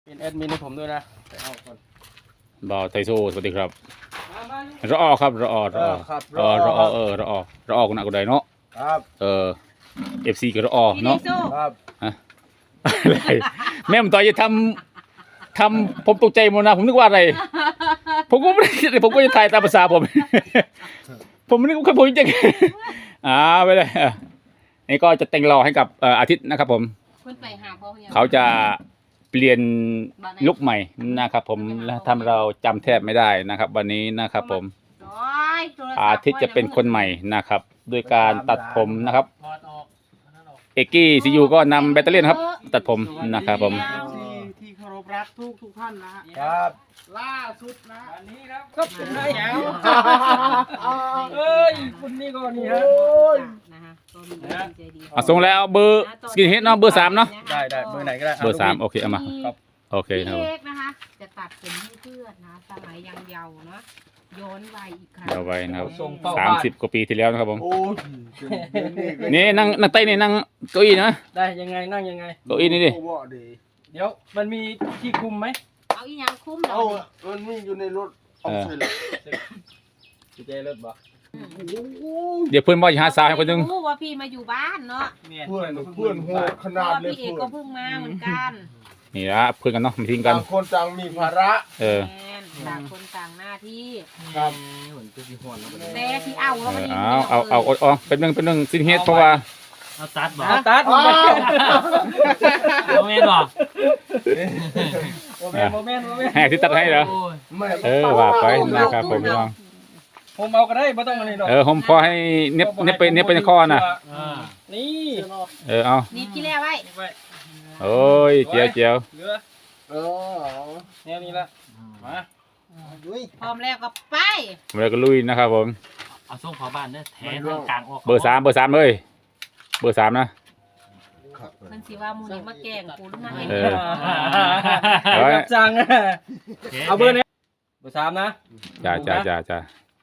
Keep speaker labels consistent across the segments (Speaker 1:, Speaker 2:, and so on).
Speaker 1: เป็นแอดมินให้ผมด้วยนะไปเอาก่อน
Speaker 2: บ่าวไทโซสวัสดีครับรอครับรอกูน่ะกูได้เนาะ
Speaker 1: ครับ
Speaker 2: FC ก็รอเนาะ
Speaker 1: ครับ
Speaker 2: อะไรแม่ผมต่อยจะทำผมตกใจหมดนะผมนึกว่าอะไรผมก็ไม่ได้ผมก็จะถ่ายตามภาษาผม ผมนึกว่าผมจะไปเลยนี่ก็จะแต่งรอให้กับอาทิตย์นะครับผมเขาจะเปลี่ยนลุคใหม่นะครับผมและทำเราจำแทบไม่ได้นะครับ วันนี้นะครับผมอาทิตย์จะเป็นคนใหม่นะครับด้วยการตัดผมนะครับเอกกี้ซียูก็นำแบตเตอรี่ครับตัดผมนะครับผม
Speaker 3: ที่เคารพรักทุกท่านนะฮะ
Speaker 1: ครับ
Speaker 3: ล่าสุดนะอันนี้ครับ
Speaker 1: ก็เป็นได้แล้วเอ้ยคุณนี่ก็นี่ฮะ
Speaker 2: ส่งแล้วเบอร์สกินเฮดเนาะเบอร์3เนาะ
Speaker 1: ได้เบอร์ไหนก็ได้
Speaker 2: เบอร์3โอเคเอามาโอเคครับ
Speaker 4: พี่เอกนะคะจะตัดผมให้เพื่อนนะสมัยยังเยาว์เนาะย้อนวัยอีกครั้ง
Speaker 2: เดี๋ยวไว้นะครับ
Speaker 1: ส่งเฝ้าบ้าน
Speaker 2: 30 กว่าปีที่แล้วนะครับผม
Speaker 3: โอ้ย
Speaker 2: นี่นั่งใต้นี่นั่งเก้าอี้นะ
Speaker 1: ได้ยังไงนั่งยังไง
Speaker 2: เก้าอี้นี่ดิ
Speaker 1: เดี๋ยวมันมีที่คุมไหม
Speaker 4: เอาอีหยังคุ้มหน่
Speaker 3: เอา
Speaker 4: อย
Speaker 3: มันมีอยู่ในรถเอาใส่เลย
Speaker 1: จุดใจรถบ่
Speaker 2: เดี๋ยวเพื่อนว่าจะหาสาวให้คนหนึง
Speaker 4: ไม่รู้ว่าพี่มาอยู่บ้านเนาะ
Speaker 3: เพื่อนโหดข
Speaker 4: เพ
Speaker 3: นา
Speaker 4: ราะ
Speaker 3: ด
Speaker 4: ว่า
Speaker 3: เลย
Speaker 4: พี่เอก
Speaker 3: เพื่อ
Speaker 4: ก็
Speaker 3: น
Speaker 4: เพิ่งมาเหมือนกัน
Speaker 2: นี่ละเพื่อนกันเนาะมาทิ้งกัน
Speaker 3: ต่างคนต่างมีภาระ
Speaker 4: แมนต่างคนต่างหน้าที่
Speaker 3: ครับ
Speaker 1: เหมือนจะมีหวนแล้ว
Speaker 4: แต่ที่เอาแล้วมันยัง
Speaker 2: เอาเป็นหนึ่งซินเฮดเพราะว่า
Speaker 5: เอาตัดบ่
Speaker 1: ตัดโมเมนต์
Speaker 5: เอาเมนบ่
Speaker 1: โมเมนต์
Speaker 2: แหกที่ตัดให้เหรอ
Speaker 5: โอ้ย
Speaker 3: ไม่
Speaker 2: ว่าไปนะครับผมพี่น้อง
Speaker 1: ผมเอาก็ได้ไม่ต้องอะไรหรอก
Speaker 2: ผมพอให้เน็บไปในคอน่ะ
Speaker 5: อ่า
Speaker 1: นี่
Speaker 2: เอา
Speaker 4: นี่กี่แล้วไว้
Speaker 2: โอ้ยเจียว
Speaker 1: เหลือ
Speaker 3: เออ
Speaker 1: แนวนี้ละมา
Speaker 4: พร้อมแล้วก็ไป
Speaker 2: ผมเลยก็ลุยนะครับผม
Speaker 5: เอาส่งขอบ้านเด้อแถทางกลางออก
Speaker 2: เบอร์3เลยเบอร์3นะ
Speaker 4: มันสิว่ามูนี่มาแกล้งกูหรือไง
Speaker 1: รับจังเอาเบอร์นี้เบอร์3นะ
Speaker 2: จ้า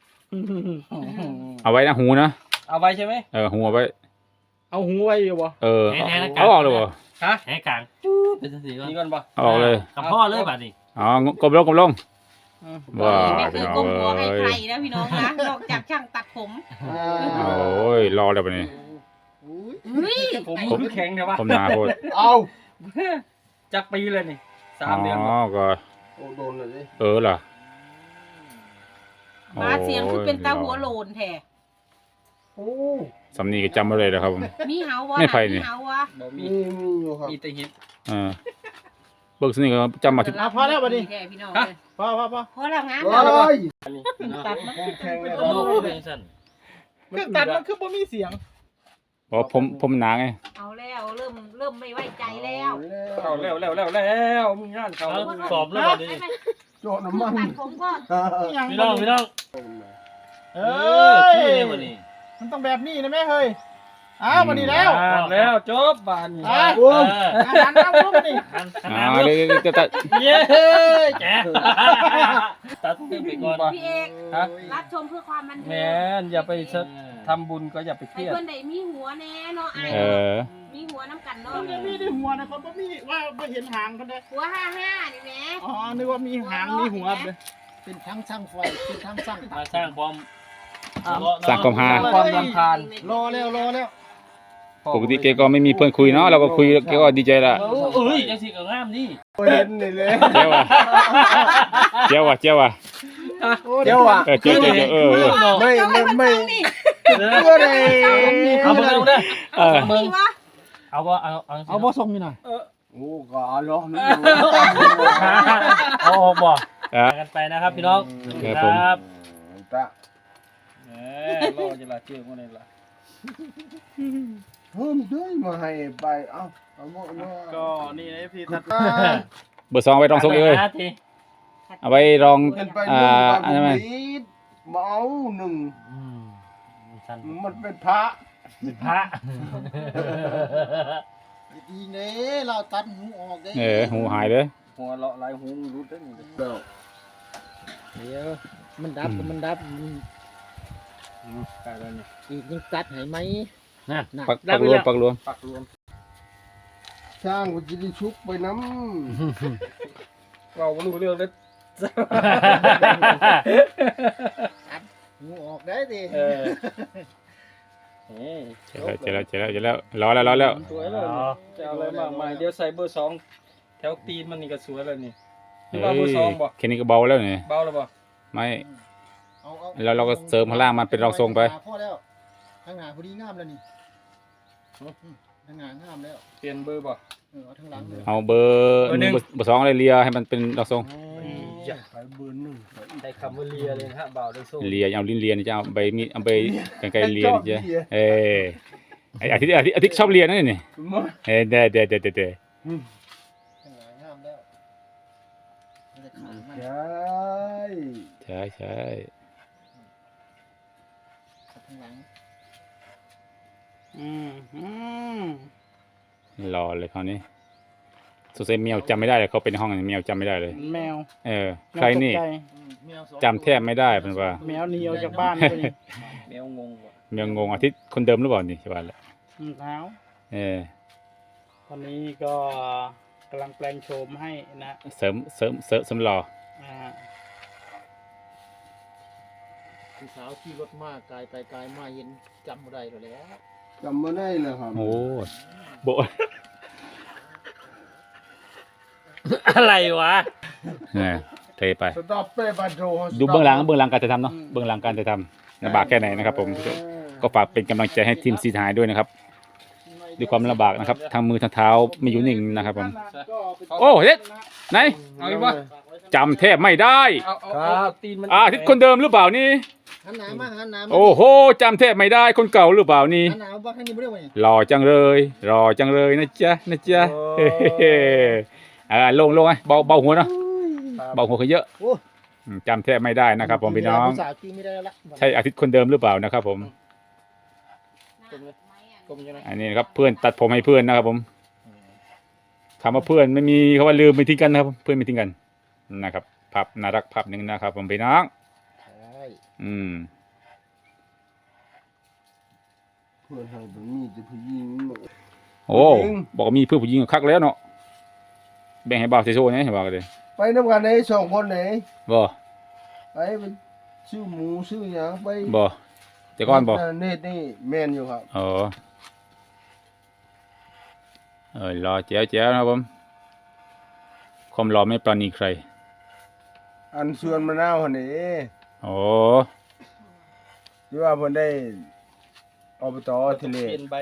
Speaker 2: เอาไว้นะหูนะ
Speaker 1: เอาไว้ใช่ไหม
Speaker 2: หูเอาไว้
Speaker 3: เอาหูไว้อยู่บ่
Speaker 2: เอาออกเลยบ่
Speaker 1: ฮะ
Speaker 5: แถกลางเป็นสีก่อน
Speaker 1: นี่ก่อนป่ะ
Speaker 2: เอาออกเลย
Speaker 5: กับพ่อเลยบัดนี้
Speaker 2: กลมลงว้า
Speaker 4: ไม่เค
Speaker 2: พี่
Speaker 4: ย
Speaker 2: น้อง
Speaker 4: ก้มหัวให้ใคร
Speaker 2: เอ้ย
Speaker 4: นะพี่น้องนะนอกจากช่างตัดผม
Speaker 2: โอ้ยรอแล้วปะนี่
Speaker 4: เฮ้ย
Speaker 1: ผมมือแข็งเดี๋ยววะ
Speaker 2: ผมหนาโคตร
Speaker 3: เอา
Speaker 1: จักปีเลยนี่3 เดือน
Speaker 2: ก็
Speaker 3: โอ้โดนเลยดิ
Speaker 2: เหรอ
Speaker 4: มาเสียงคือเป็นตาหัวโลนแท้
Speaker 3: โอ้
Speaker 2: สำนีก็จำไว้เลยนะครับผม
Speaker 4: มีเฮาวะ
Speaker 2: ไม่ไผ่นี่
Speaker 4: มีเฮาวะ
Speaker 1: บ่มี
Speaker 3: มีอยู่ครับ
Speaker 1: มีแต่หิน
Speaker 2: เบิกสนี่ก็จำมาที่
Speaker 3: พอแล้วบัดนี้
Speaker 4: แท้พี่น้องเลย
Speaker 3: พอ
Speaker 4: พอแล้วงาน
Speaker 3: โอ้ย
Speaker 4: ตัดมา
Speaker 3: แข็งเลย
Speaker 5: โอ้ยเป็นสั่น
Speaker 3: เครื่องตัดมันคือบ่มีเสียง
Speaker 2: เพราะผมหนาไง
Speaker 4: เอาแล้วเริ่มไม่ไว้ใจแล้ว
Speaker 1: เข้าแล้วมึงงานเข้า
Speaker 5: เอา
Speaker 1: แล้ว
Speaker 5: สอบเลยบัดนี้
Speaker 3: โจน้ำมัน
Speaker 4: ตัดผมก็
Speaker 5: พี่น้อง
Speaker 3: เอ
Speaker 5: คื
Speaker 3: ้
Speaker 5: อย วันนี้
Speaker 3: มันต้องแบบนี้นะแม่เฮ้ยอ้าววันนี้แล้ว
Speaker 1: แล้วจบบาน
Speaker 3: โอ้ยอาหารน้ำซุปนี่
Speaker 5: ขนาด
Speaker 2: เดี๋ยวจะตัด
Speaker 5: เย้แจ๋ตัดขึ้นไปก่อน
Speaker 4: พี่เอก
Speaker 1: ฮะ
Speaker 4: รับชมเพื่อความบัน
Speaker 1: แม
Speaker 4: เทิง
Speaker 1: นอย่าไปทำบุญก็อย่าไปเค
Speaker 4: ให้
Speaker 1: รียด
Speaker 4: เพื่อนได้มีหัวแน่เนาะไอ้ มีหัวน้ำกันเนาะ
Speaker 3: มันยังมีในหัวนะเขาบ่มีว่าบ่เห็นหางเขาเด้อ
Speaker 4: หัว55นี่แหม
Speaker 3: อ๋อนึกว่ามีหางมีหัวเลยเป็นทั้งช่างไฟเป็นทั้งช่าง
Speaker 5: มาสร้างความ
Speaker 2: สร้างความฮา
Speaker 1: ความรำคาญ
Speaker 3: รอแล้ว
Speaker 2: ปกติแกก็ไม่มีเพื่อนคุยเนาะเราก็คุยแกก็ดีใจละ
Speaker 5: เอ้ยจังสิก็งามนี่
Speaker 3: เห็นนี่เลย
Speaker 2: เจ้าว่ะเจ้าว่ะ
Speaker 1: เดี๋ยวอ่ะ
Speaker 2: เจ้า
Speaker 3: ไม่
Speaker 2: ไม่
Speaker 4: เจ้าให้มันฟังนี่
Speaker 3: เพื่อเลย
Speaker 5: เอาเบิ่งเด้อ
Speaker 4: มีวะ
Speaker 5: เอาบ่เอา
Speaker 3: เอาบ่ส่งนี่หน่อยโอ้ก็เอาล้อนี่
Speaker 5: เอาบ่กันไปนะครับพี่น้องครับ
Speaker 3: ตะ
Speaker 1: รอจะละเชื่อคนนี้ละ
Speaker 3: เพิ่มด้วยมาให้ไปเอาหมดเนาะ
Speaker 1: ก็นี่นะพี่ตัด
Speaker 2: เบอร์2ไว้รองทรงเลยเอาไว้รอง
Speaker 3: เป็นไป
Speaker 2: อันนั้นไหม
Speaker 3: เมาหนึ่ง
Speaker 5: สั่น
Speaker 3: มันเป็นพระ
Speaker 5: เป็นพระ
Speaker 3: ดีเน่เราตัดหูออกได้
Speaker 2: หูหายเลย
Speaker 1: หัวเลาะลายหูรุดได้นี่
Speaker 3: เดี๋ยวมันดับมันดับ
Speaker 1: กลายแล้วนี่
Speaker 3: อีกยังตัดให้ไหม
Speaker 5: นะ
Speaker 2: ปักรวม
Speaker 1: ปักรวม
Speaker 3: ช่างก็จะได้ชุบไปน้
Speaker 1: เราไม่รู้เรื่องเลย
Speaker 3: งูออกได้ดิ
Speaker 1: เออ
Speaker 2: เจอแล้วรอแล้ว
Speaker 1: สวยเลยจะเอาอะไรมากมายเดี๋ยวใส่เบอร์2แถวตีนมันนี่ก็สวยแล้วนี่นี่ว่าเบอร์2บ่
Speaker 2: แค่นี้ก็เบาแล้วนี่
Speaker 1: เบาแล้วบ่
Speaker 2: ไม่
Speaker 3: เอา
Speaker 2: แล้วเราก็เสริมข้างล่างมันเป็นรองทรงไป
Speaker 3: พ่อแล้วข้างหน้าพอดีงามแล้วนี่ข้างหน้างามแล้ว
Speaker 1: เปลี่ยนเบอร์บ่
Speaker 3: เอาข้างหลังเลย
Speaker 2: เอาเบอร์
Speaker 1: เบอร์หนึ่ง
Speaker 2: เบอร์สองอะไรเลียให้มันเป็นรองทรง
Speaker 1: อย่าไปเบอร์1ใช้คำว่าเลียเลยนะฮะบ่าวได้สู้
Speaker 2: เลียเอาลิ้นเลียนี่จะเอาใบมีดเอาใบกันไกรเลียนี่จ้ะไอ้อาทิตย์ชอบเลียนั่นนี่เด้
Speaker 3: ข้างหลังงามแล้วมันจะขาดมัน
Speaker 2: ใช่
Speaker 3: ข้างหลัง
Speaker 2: รอเลยคราวนี้สงสัยแมวจำไม่ได้เลยเขาเป็นห้องแมวจำไม่ได้เลย
Speaker 5: แมว
Speaker 2: ใครนี่
Speaker 3: แมวสอง
Speaker 2: จำแทบไม่ได้เป็นว่า
Speaker 5: แมวหนีออกจากบ้านไปนี่
Speaker 1: แมวงงว่ะ
Speaker 2: แมวงงอาทิตย์คนเดิมหรือเปล่านี่ใช่ป่ะแหละ
Speaker 5: เท้า ตอนนี้ก็กำลังแปลงโฉมให้นะ
Speaker 2: เสริมรอ
Speaker 5: อ่า
Speaker 3: ผู้สาวขี่รถมากไกลไปไกลมาเห็นจำบ่ได้แล้ว
Speaker 6: จำไม่ได้เลยครับ
Speaker 2: โอ้โบ
Speaker 5: อะไรวะ
Speaker 2: เทไป
Speaker 6: สต็อปเป้บัตโร
Speaker 2: ดูเบื้องหลังการจะทำเนาะเบื้องหลังการจะทำลำบากแค่ไหนนะครับผมก็ฝากเป็นกำลังใจให้ทีมซีทายด้วยนะครับด้วยความลำบากนะครับทางมือทางเท้าไม่อยู่นิ่งนะครับผมโอ้เฮ็ดไหน
Speaker 1: เอาอีกบ่
Speaker 2: จำแทบไม่ได้
Speaker 1: เอาตีนมัน
Speaker 2: อาทิตย์คนเดิมหรือเปล่านี่
Speaker 3: หันหน้ามาหันหน้ามา
Speaker 2: โอ้โหจำแทบไม่ได้คนเก่าหรือเปล่านี่
Speaker 3: หันหน้ามาบ้างข้างนี้ไม่ได้ไหม
Speaker 2: หล่อจังเลยนะจ๊ะลงไงเบาหัวเนาะเบาหัวเขาเยอะจำแทบไม่ได้นะครับผมพี่น้อง
Speaker 3: ผู้สาวขี่ไม่ได้แล้วละ
Speaker 2: ใช่อาทิตย์คนเดิมหรือเปล่านะครับผม
Speaker 1: กลมยังไง
Speaker 2: อันนี้นะครับเพื่อนตัดผมให้เพื่อนนะครับผมคำว่าเพื่อนไม่มีคำว่าลืมไม่ทิ้งกันนะครับเพื่อนไม่ทิ้งกันนะครับภาพน่ารักภาพหนึ่งนะครับผมพี่น้อง
Speaker 3: ใช่
Speaker 6: เพื่อนให้ผมมีจะผู้หญิง
Speaker 2: โอ้บอกว่ามีเพื่อนผู้หญิงคักแล้วเนาะแบ่งให้บ่าวเซโซ่เนี่ยเห็นบ่าวกันเลย
Speaker 6: ไปน้ำกันไหนสองคนไหน
Speaker 2: บ่
Speaker 6: ไปซื้อหมูซื้อหยังไป
Speaker 2: บ่แต่ก่อนบ่
Speaker 6: เนตนี่แมนอยู่ครับ
Speaker 2: รอแจ๋วนะครับผมความรอไม่ปราณีใคร
Speaker 6: อันส่วนมะนาวหันนี่
Speaker 2: โอ้
Speaker 6: ที่ว่าเพิ่นได้อบตทะเล
Speaker 1: เปลี่ยนใบ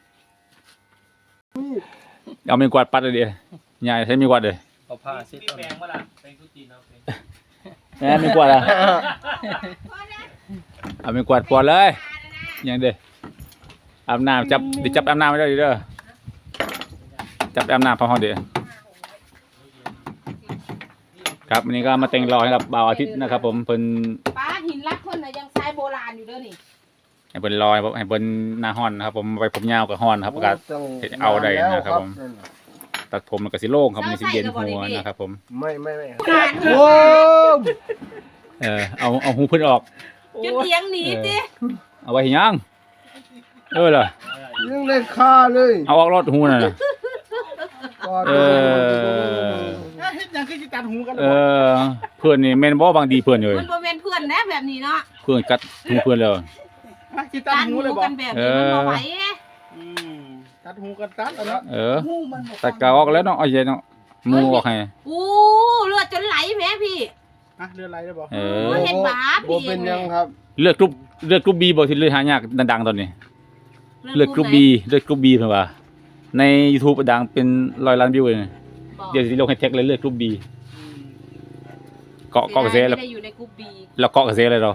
Speaker 2: เอาไม้กวาดปัดเลยดิยายใช้ไม้กวาดเลย
Speaker 1: เอาผ้าซิด
Speaker 5: แปลงมาละแปลงทุจีนเอาแปลง
Speaker 2: ไม้กวาดอ่ะเอาไม้กวาดปอดเลยยังเด้อาบน้ำจับอาบน้ำไม่ได้ดิเด้อจับอาบน้ำพอห้องเด้อครับวันนี้ก็มาแต่งรอให้กับบ่าวอาทิตย์นะครับผมเพิ่น
Speaker 4: ป้าหินรักคนน่ะยังใช้โบราณอยู่เด้อนี่
Speaker 2: ให้เพิ่นรอให้เพิ่นหน้าฮ้อนนะครับผมไปผมยาวกับฮ้อนครับก็เอาได้นะครับผมตัดผมมันก็สิโล่งครับมันสิเย็นหัวนะครับผม
Speaker 6: ไม่
Speaker 2: โอ้เอาหูเพิ่นออก
Speaker 4: จะเถียงหนีสิ
Speaker 2: เอาไว้ให้ยังล่ะ
Speaker 6: ยังได้ค่าเลย
Speaker 2: เอาออกรถหูน่ะ
Speaker 6: เออ
Speaker 5: เฮ็ดหยังคือสิตัดหูกัน
Speaker 2: เพื่อนนี่แม่นบ่บางดีเพื่อนเลย
Speaker 4: มันบ่แม่นเพื่อนนะแบบนี้เนาะ
Speaker 2: เพื่อนกัดหูเพื่อนแล้ว
Speaker 5: สิตัด
Speaker 4: การ
Speaker 5: หู
Speaker 4: หู
Speaker 5: เลยบ่
Speaker 4: กันแบบนี้มันบ่ไหว
Speaker 5: ตัดหูกันตัดเอาเนาะ
Speaker 2: ตัดกาวออกแล้วเนาะเอาเย็นเนาะมูออกให้
Speaker 4: อู้เลือดจนไหลแม่พี่
Speaker 5: เรืออะไรได้บ่
Speaker 4: บ่เห็นบาป
Speaker 6: บ่เป็นหยังครับ
Speaker 2: เลือดกรุ๊ปบีบ่ที่เลือดหายากดังๆตอนนี้เลือดกรุ๊ปบีเพิ่นว่าใน YouTube ดังเป็น100 ล้านวิวเลยเดี๋ยวสิลงให้แท็กเลยเลือดกรุ๊ปบีเกาะกระแสแล้ว
Speaker 4: ไม่ได้อยู่ในกรุ๊ป B
Speaker 2: แล้วเกาะกระแสเลยเรา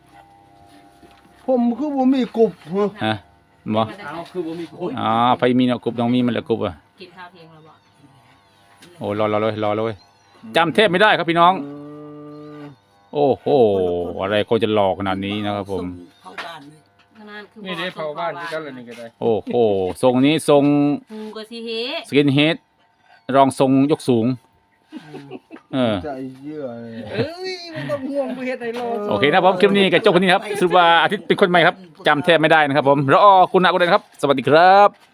Speaker 6: ผมคือบ่มีกรุบเหรอ
Speaker 2: ฮะบ่
Speaker 1: เอาคือบ่มีคุย
Speaker 2: ไฟมีเนาะกรุ๊ปต้องมีมันแหละกรุ๊ปอ่ะ
Speaker 4: กินข้าวเที่ยงแล้วบ่
Speaker 2: โอ้รอเลยจำแทบไม่ได้ครับพี่น้อง โอ้โหอะไรก็จะหลอกขนาดนี้นะครับผม
Speaker 1: นี่ได้เผาบ้านที่กันเลยนี่ก็ได้
Speaker 2: โอ้โหทรงนี้ทรง
Speaker 4: หูก็สิเฮ
Speaker 2: สกินเฮดรองทรงยกสูง
Speaker 6: ใจเยื่อเลย
Speaker 5: เอ้ยบ่ต้องห่วงบ่เฮ็ดให้รอ
Speaker 2: โอเคนะครับผมคลิปนี้กับเจ้าคนนี้ครับสรุปว่าอาทิตย์เป็นคนใหม่ครับจำแทบไม่ได้นะครับผมรอคุณอากุเดนครับ สวัสดีครับ